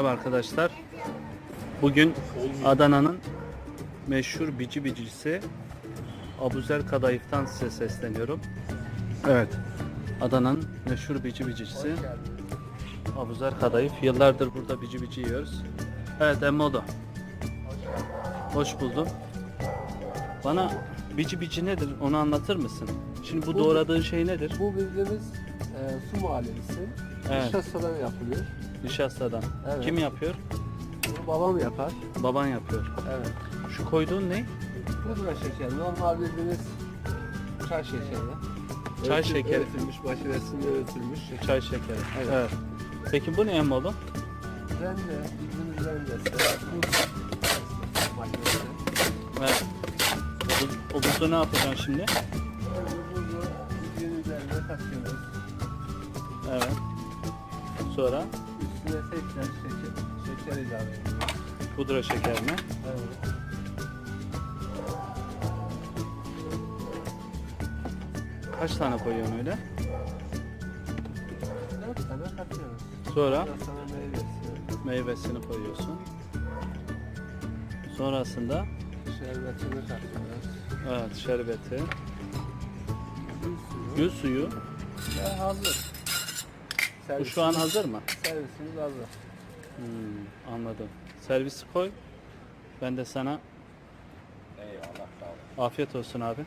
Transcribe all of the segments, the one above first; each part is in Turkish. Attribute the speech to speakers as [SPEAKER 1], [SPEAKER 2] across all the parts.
[SPEAKER 1] Merhaba arkadaşlar. Bugün Adana'nın meşhur bici bicisi Abuzer Kadayıf'tan size sesleniyorum. Evet. Adana'nın meşhur bici bicisi Abuzer Kadayıf. Yıllardır burada bici bici yiyoruz. Evet Emmodo. Hoş buldum. Bana bici bici nedir? Onu anlatır mısın? Şimdi bu doğradığın şey nedir?
[SPEAKER 2] Bu bildiğimiz su muhallebisi.
[SPEAKER 1] Evet.
[SPEAKER 2] Nişastadan yapılıyor.
[SPEAKER 1] Nişastadan.
[SPEAKER 2] Evet.
[SPEAKER 1] Kim yapıyor?
[SPEAKER 2] Bunu babam yapar.
[SPEAKER 1] Baban yapıyor.
[SPEAKER 2] Evet.
[SPEAKER 1] Şu koyduğun ne?
[SPEAKER 2] Pudra şekeri. Normal bildiğiniz çay şekeri.
[SPEAKER 1] Çay şekeri.
[SPEAKER 2] Öğütülmüş, makinesinde öğütülmüş şeker.
[SPEAKER 1] Çay şekeri.
[SPEAKER 2] Evet.
[SPEAKER 1] Evet. Peki bu ne Emmodo?
[SPEAKER 2] Rende, bildiğiniz rendesi. Buz makinesi.
[SPEAKER 1] Evet. O buzda ne yapacaksın şimdi?
[SPEAKER 2] Bu buzu bildiğiniz üzerine katıyoruz.
[SPEAKER 1] Evet. Sonra
[SPEAKER 2] Üstüne tekrar şeker ilave ediyoruz.
[SPEAKER 1] pudra şekerini.
[SPEAKER 2] Evet.
[SPEAKER 1] Kaç tane koyuyorsun öyle?
[SPEAKER 2] 4 tane katıyoruz.
[SPEAKER 1] Sonra
[SPEAKER 2] Biraz sonra meyvesi.
[SPEAKER 1] meyvesini koyuyorsun. Sonrasında
[SPEAKER 2] Şerbetini katıyoruz.
[SPEAKER 1] evet şerbeti,
[SPEAKER 2] Gül suyu.
[SPEAKER 1] gül suyu.
[SPEAKER 2] Ve hazır.
[SPEAKER 1] Bu şu an hazır mı?
[SPEAKER 2] Servisimiz hazır.
[SPEAKER 1] Anladım. Servisi koy. Ben de sana afiyet olsun abi.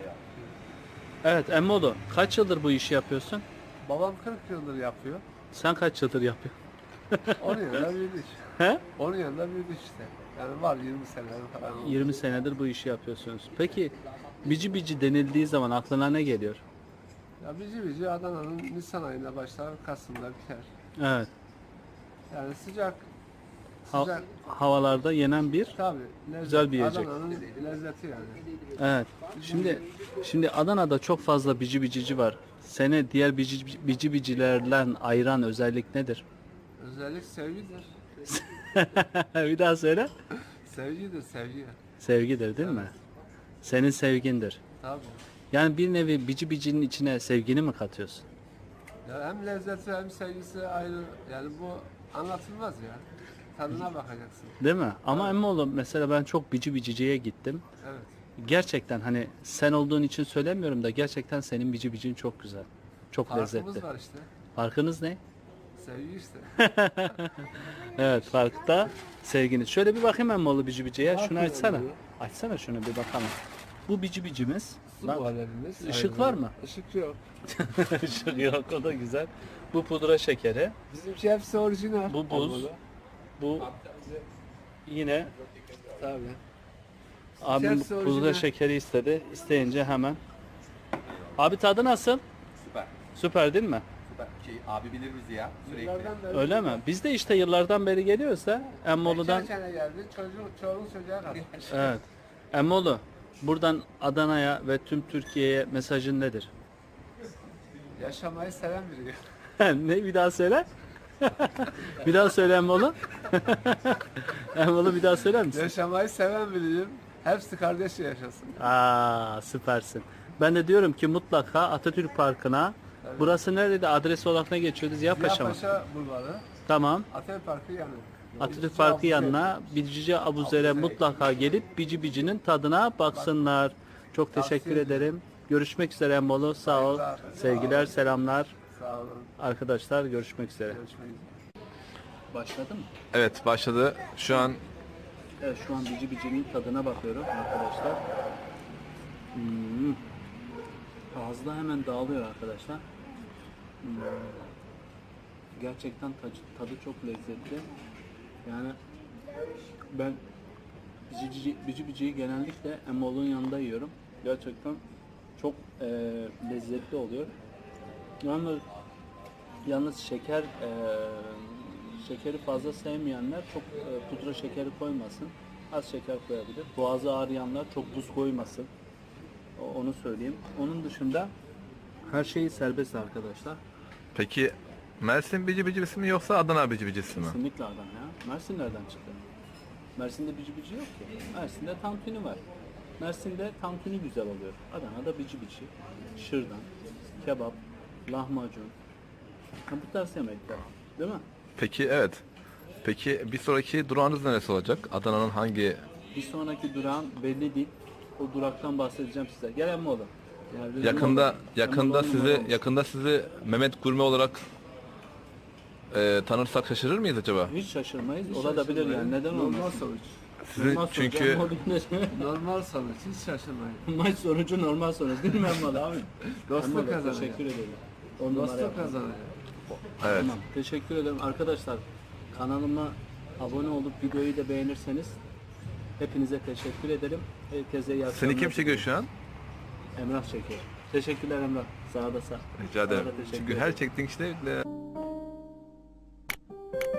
[SPEAKER 1] Evet Emmodo, kaç yıldır bu işi yapıyorsun?
[SPEAKER 2] Babam 40 yıldır yapıyor.
[SPEAKER 1] Sen kaç yıldır yapıyorsun?
[SPEAKER 2] Onun yanında büyüdük.
[SPEAKER 1] He?
[SPEAKER 2] Onun yanında büyüdük işte. Yani var 20 seneler falan oldu.
[SPEAKER 1] 20 senedir bu işi yapıyorsunuz. Peki bici bici denildiği zaman aklına ne geliyor?
[SPEAKER 2] Ya bici bici Adana'nın Nisan ayında başlar, Kasım'da biter.
[SPEAKER 1] Evet.
[SPEAKER 2] Yani sıcak.
[SPEAKER 1] Ha-
[SPEAKER 2] Sıcak.
[SPEAKER 1] havalarda yenen bir.
[SPEAKER 2] Tabii.
[SPEAKER 1] Güzel bir yiyecek.
[SPEAKER 2] Adana'nın lezzeti yani.
[SPEAKER 1] Evet. Şimdi Adana'da çok fazla bici bicici var. Seni diğer bici bicilerden ayıran özellik nedir?
[SPEAKER 2] Özellik sevgidir.
[SPEAKER 1] Bir daha söyle.
[SPEAKER 2] Sevgidir, sevgi.
[SPEAKER 1] Sevgidir değil mi? Senin sevgindir.
[SPEAKER 2] Tabii.
[SPEAKER 1] Yani bir nevi bici bicinin içine sevgini mi katıyorsun?
[SPEAKER 2] Ya hem lezzeti hem sevgisi ayrı. Yani bu anlatılmaz ya. Tadına bakacaksın.
[SPEAKER 1] Değil mi? Ama Emmoğlu mesela ben çok bici biciciye gittim.
[SPEAKER 2] Evet.
[SPEAKER 1] Gerçekten hani sen olduğun için söylemiyorum da gerçekten senin bici bicin çok güzel. Çok
[SPEAKER 2] Farkımız
[SPEAKER 1] lezzetli.
[SPEAKER 2] var işte.
[SPEAKER 1] Farkınız ne?
[SPEAKER 2] Sevgi işte.
[SPEAKER 1] Evet farkta sevginiz. Şöyle bir bakayım Emmoğlu bici biciye. Şunu
[SPEAKER 2] Bakın
[SPEAKER 1] açsana.
[SPEAKER 2] Emmoğlu.
[SPEAKER 1] Açsana şunu bir bakalım. Bu bici bicimiz.
[SPEAKER 2] Su
[SPEAKER 1] Bak,
[SPEAKER 2] muhallebimiz.
[SPEAKER 1] ışık
[SPEAKER 2] Aynen.
[SPEAKER 1] var mı?
[SPEAKER 2] Işık yok.
[SPEAKER 1] Işık yok o da güzel. Bu pudra şekeri.
[SPEAKER 2] Bizimki hepsi orijinal.
[SPEAKER 1] Bu buz.
[SPEAKER 2] Olmalı.
[SPEAKER 1] Bu yine
[SPEAKER 2] Tabii.
[SPEAKER 1] abim
[SPEAKER 2] Hepsi
[SPEAKER 1] pudra
[SPEAKER 2] orijinal.
[SPEAKER 1] şekeri istedi. İsteyince hemen. Abi tadı nasıl?
[SPEAKER 3] Süper.
[SPEAKER 1] Süper değil mi?
[SPEAKER 3] Süper. Abi bilir bizi ya sürekli.
[SPEAKER 2] Yıllardan beri.
[SPEAKER 1] Öyle mi? Biz de işte yıllardan beri geliyoruz da Emmoğlu'dan.
[SPEAKER 2] Geçen sene geldi. Çoğunun çocuğa kadar.
[SPEAKER 1] Evet. Emmoğlu buradan Adana'ya ve tüm Türkiye'ye mesajın nedir?
[SPEAKER 2] Yaşamayı seven biri.
[SPEAKER 1] Ne bir daha söyle? Bir daha söyle Emmoğlu. Emmoğlu bir daha söyler misin?
[SPEAKER 2] Yaşamayı seven biriyim. Hepsi kardeşçe yaşasın.
[SPEAKER 1] Aa süpersin. Ben de diyorum ki mutlaka Atatürk Parkı'na. Burası neredeydi? Adres olarak ne geçiyordu? Ziyapaşa mı?
[SPEAKER 2] Ziyapaşa Bulvarı.
[SPEAKER 1] Tamam.
[SPEAKER 2] Atatürk Parkı yanı.
[SPEAKER 1] Atatürk Parkı yanına Bici Abuzer'e mutlaka gelip bici bicinin tadına baksınlar. Çok teşekkür ederim. Görüşmek üzere Emmoğlu. Sağ ol.
[SPEAKER 2] Saygılar.
[SPEAKER 1] Sevgiler, selamlar.
[SPEAKER 2] Sağ olun.
[SPEAKER 1] Arkadaşlar görüşmek üzere.
[SPEAKER 2] Görüşmek üzere.
[SPEAKER 1] Başladı mı?
[SPEAKER 3] Evet başladı. Şu an
[SPEAKER 1] Evet şu an bici bicinin tadına bakıyorum arkadaşlar. Ağızda hemen dağılıyor arkadaşlar. Gerçekten tadı çok lezzetli. Yani ben bici biciyi genellikle Emmoğlu'nun yanında yiyorum. Gerçekten çok lezzetli oluyor. Yalnız şekeri fazla sevmeyenler çok pudra şekeri koymasın. Az şeker koyabilir. Boğazı ağrıyanlar çok buz koymasın. Onu söyleyeyim. Onun dışında her şey serbest arkadaşlar.
[SPEAKER 3] peki Mersin bici bicisi mi yoksa Adana bici bicisi mi?
[SPEAKER 1] Kesinlikle adam ya. Mersin nereden çıktı? Mersin'de bici bici yok ki. Mersin'de tantuni var. Mersin'de tantuni güzel oluyor. Adana'da bici bici, şırdan, kebap, lahmacun. Bu tarz yemekler. Değil mi?
[SPEAKER 3] Peki evet. Peki bir sonraki durağınız neresi olacak? Adana'nın hangi?
[SPEAKER 1] Bir sonraki durağım belli değil. O duraktan bahsedeceğim size. Gelen mi oğlum? Yani bizim
[SPEAKER 3] Yakında
[SPEAKER 1] oğlum.
[SPEAKER 3] yakında
[SPEAKER 1] Sen
[SPEAKER 3] sizi
[SPEAKER 1] oğlum olmuş.
[SPEAKER 3] yakında sizi Mehmet Gurme olarak tanırsak şaşırır mıyız acaba?
[SPEAKER 1] Hiç şaşırmayız. Olabilir yani. Neden
[SPEAKER 2] Normal
[SPEAKER 1] olmaz?
[SPEAKER 2] sonuç.
[SPEAKER 3] Sizi
[SPEAKER 1] Normal sonuç.
[SPEAKER 3] çünkü
[SPEAKER 1] Ama o gün-
[SPEAKER 2] Normal sonuç. Hiç şaşırmayın.
[SPEAKER 1] Maç sonucu normal sonuç değil mi Emmal abi?
[SPEAKER 2] Dostluk
[SPEAKER 1] Emmal,
[SPEAKER 2] kazanıyor.
[SPEAKER 1] teşekkür ederim. On numara
[SPEAKER 2] Dostluk
[SPEAKER 1] yaptın.
[SPEAKER 2] kazanıyor.
[SPEAKER 3] evet.
[SPEAKER 1] Tamam. Teşekkür ederim. Arkadaşlar kanalıma abone olup videoyu da beğenirseniz hepinize teşekkür ederim. Herkese iyi akşamlar.
[SPEAKER 3] Seni kim çekiyor şu an?
[SPEAKER 1] Emrah çekiyor. Teşekkürler Emrah. Sağ da sağ.
[SPEAKER 3] Rica ederim.
[SPEAKER 1] Sana da teşekkür
[SPEAKER 3] Çünkü
[SPEAKER 1] ederim.
[SPEAKER 3] her çektiğin işte